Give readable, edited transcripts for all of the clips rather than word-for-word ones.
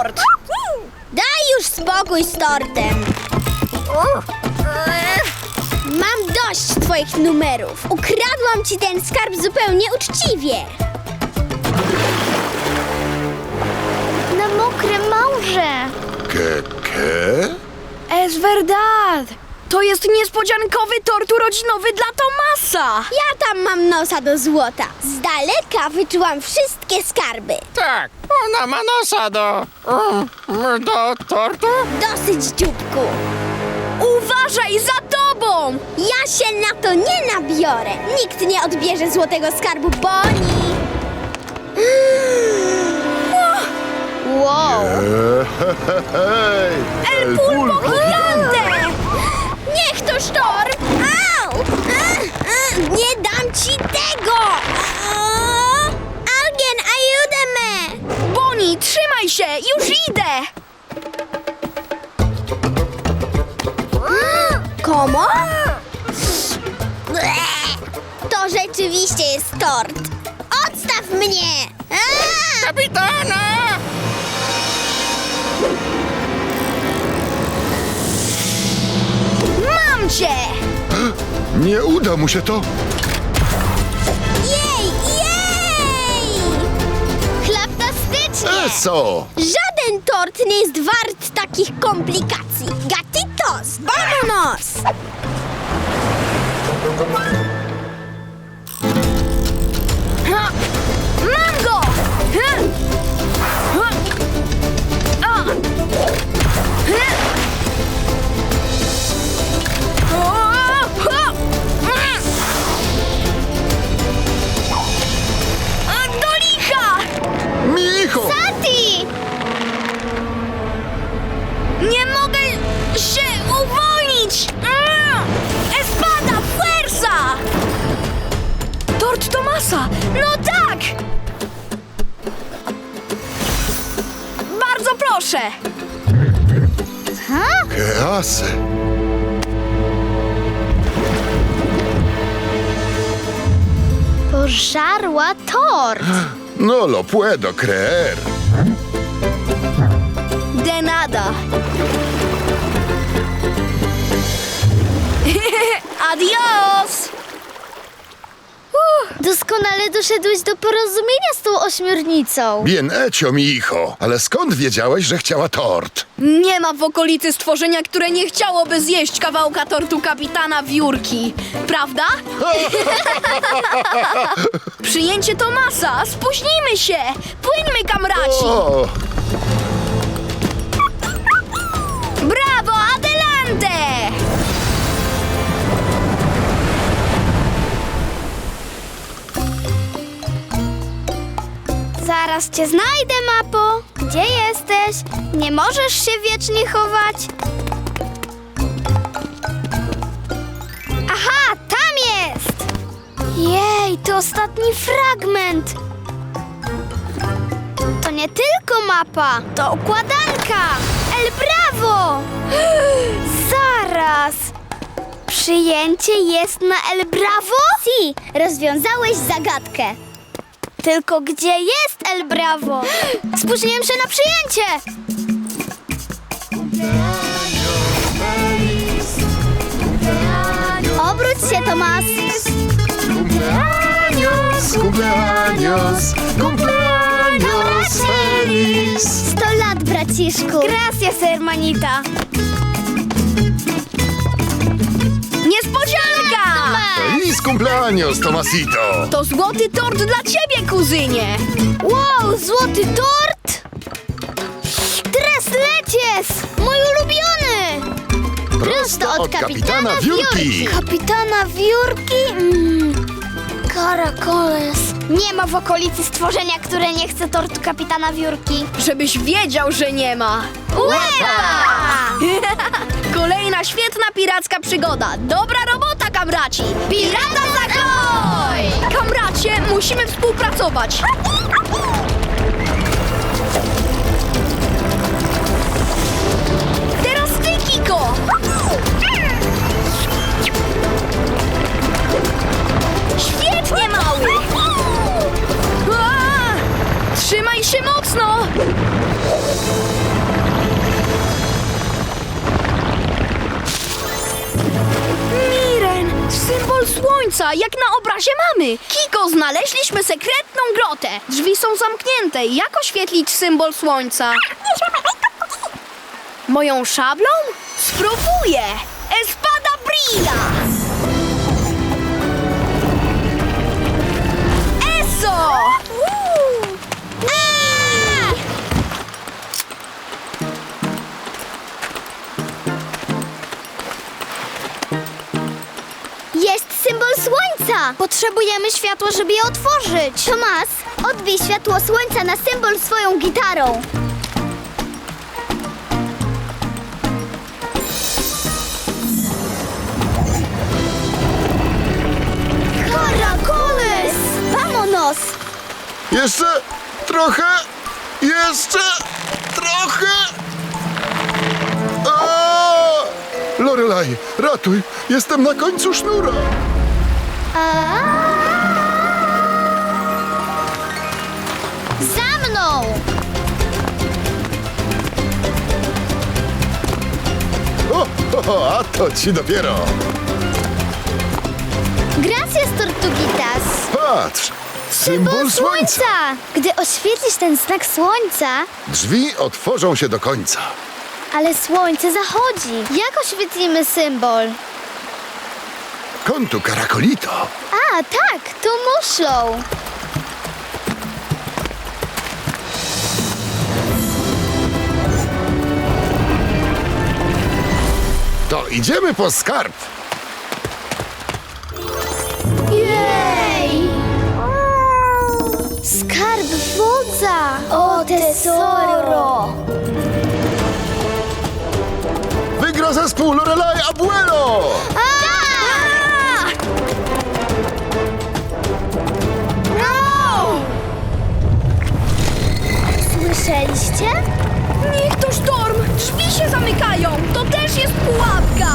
tort! Daj już spokój z tortem. Mam dość twoich numerów. Ukradłam ci ten skarb zupełnie uczciwie. Na mokre morze. Ke? Es verdad! To jest niespodziankowy tort urodzinowy dla Tomasa! Ja tam mam nosa do złota. Z daleka wyczułam wszystkie skarby. Tak, ona ma nosa do tortu. Dosyć, dzióbku. Uważaj za tobą! Ja się na to nie nabiorę. Nikt nie odbierze złotego skarbu Bonnie. Wow. Hej, El Pulpo gigante! Niech to sztorm! Au! Nie dam ci tego! Alguien, ayúdame! Bonnie, trzymaj się! Już idę! Komo? To rzeczywiście jest tort. Odstaw mnie! kapitana! Mam cię! Nie uda mu się to. Jej! Jej! Chlaptastycznie. Eso! Żaden tort nie jest wart takich komplikacji. Gatitos! Vámonos! Ha! Mam go! Ha! Ha! A! Ha! O! Ha! Do licha! Micho! Tati! Nie mogę się uwolnić! Espada, fuerza! Tort Tomasa! No tak! Bardzo proszę! Que hace? Pożarła tort. No lo puedo creer. De nada! Adios! Doskonale doszedłeś do porozumienia z tą ośmiornicą. Bien hecho, mi hijo. Ale skąd wiedziałeś, że chciała tort? Nie ma w okolicy stworzenia, które nie chciałoby zjeść kawałka tortu kapitana Wiórki. Prawda? Przyjęcie Tomasa! Spóźnimy się! Płyńmy, kamraci! O! Brawo, adelante! Zaraz cię znajdę, Mapo. Gdzie jesteś? Nie możesz się wiecznie chować. Aha, tam jest! Jej, to ostatni fragment. To nie tylko mapa, to układanka. El Bravo! Zaraz! Przyjęcie jest na El Bravo? Si, rozwiązałeś zagadkę. Tylko gdzie jest El Bravo? Spóźniłem się na przyjęcie! Obróć się, Tomas. Cumpleaños, cumpleaños, cumpleaños feliz. 100 lat, braciszku. Gracias, hermanita. Niespodzianka! Feliz cumpleaños, Tomasito. To złoty tort dla ciebie, kuzynie! Wow, złoty tort! Tres leches! Mój ulubiony! Prosto od kapitana Wiórki. Kapitana Wiórki? Caracoles. Nie ma w okolicy stworzenia, które nie chce tortu kapitana Wiórki. Żebyś wiedział, że nie ma. Łeba! Kolejna świetna piracka przygoda. Dobra robota, kamraci! Pirata zakoj! Kamracie, musimy współpracować. Teraz ty, Kiko! Świetnie, mały! Trzymaj się mocno! razie mamy. Kiko, znaleźliśmy sekretną grotę. Drzwi są zamknięte. Jak oświetlić symbol słońca? Moją szablą? Spróbuję. Espada brilla! Eso! Jest symbol słońca! Potrzebujemy światła, żeby je otworzyć. Tomas, odbij światło słońca na symbol swoją gitarą. Caracoles! Vamonos! Jeszcze trochę. Jeszcze trochę. A! Lorelai, ratuj. Jestem na końcu sznura. Za mną! A to ci dopiero. Gracias, Tortuguitas! Patrz. Symbol słońca. Gdy oświetlisz ten znak słońca, Drzwi otworzą się do końca. ale słońce zachodzi. Jak oświetlimy symbol? Kontu Karakolito. A, tak, to muszlą. To idziemy po skarb. Jej! Skarb wodza! O, tesoro! Wygra zespół Lorelai Abuelo. Słyszeliście? Niech to sztorm! Drzwi się zamykają! To też jest pułapka!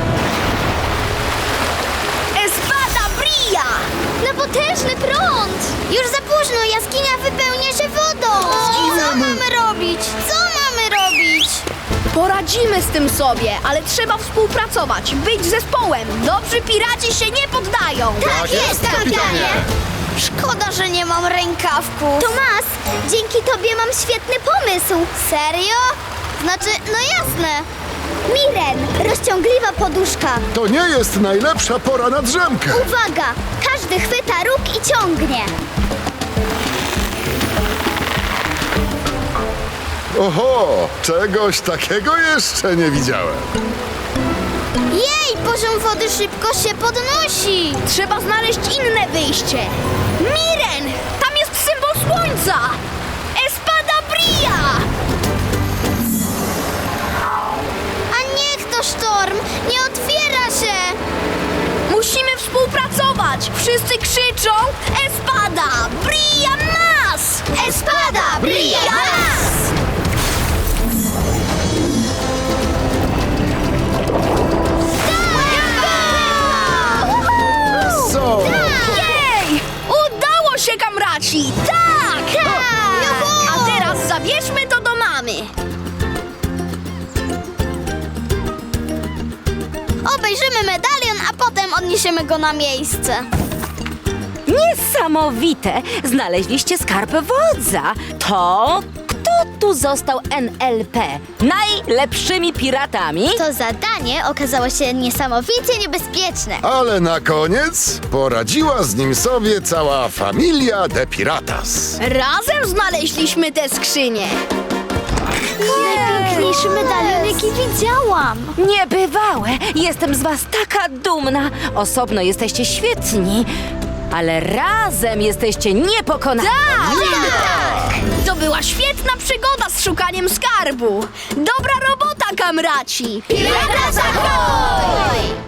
Espada brilla! No potężny prąd! Już za późno, jaskinia wypełnia się wodą! Co mamy robić? Co mamy robić? Poradzimy z tym sobie, ale trzeba współpracować, być zespołem. Dobrzy piraci się nie poddają. Tak jest, kapitanie! Szkoda, że nie mam rękawków. Tomas, dzięki tobie mam świetny pomysł. Serio? Znaczy, no jasne. Miren, rozciągliwa poduszka. To nie jest najlepsza pora na drzemkę. Uwaga! Każdy chwyta róg i ciągnie. Oho, czegoś takiego jeszcze nie widziałem. Jej, poziom wody szybko się podnosi. Trzeba znaleźć inne wyjście. Miren! Tam jest symbol słońca! Espada brilla! A niech to sztorm, nie otwiera się. Musimy współpracować! Wszyscy krzyczą Espada brilla nas! Espada brilla nas! Co? Jej! Udało się, kamraci! Tak! A teraz zabierzmy to do mamy. Obejrzymy medalion, a potem odniesiemy go na miejsce. Niesamowite! Znaleźliście skarb wodza. To kto tu został NLP? Najlepszymi piratami? To zadanie okazało się niesamowicie niebezpieczne. Ale na koniec poradziła z nim sobie cała familia de Piratas. Razem znaleźliśmy te skrzynie. Najpiękniejszy medalion, jaki widziałam. Niebywałe! Jestem z was taka dumna. Osobno jesteście świetni, ale razem jesteście niepokonani. To była świetna przygoda z szukaniem skarbu. Dobra robota, kamraci! Pirata Ahoy!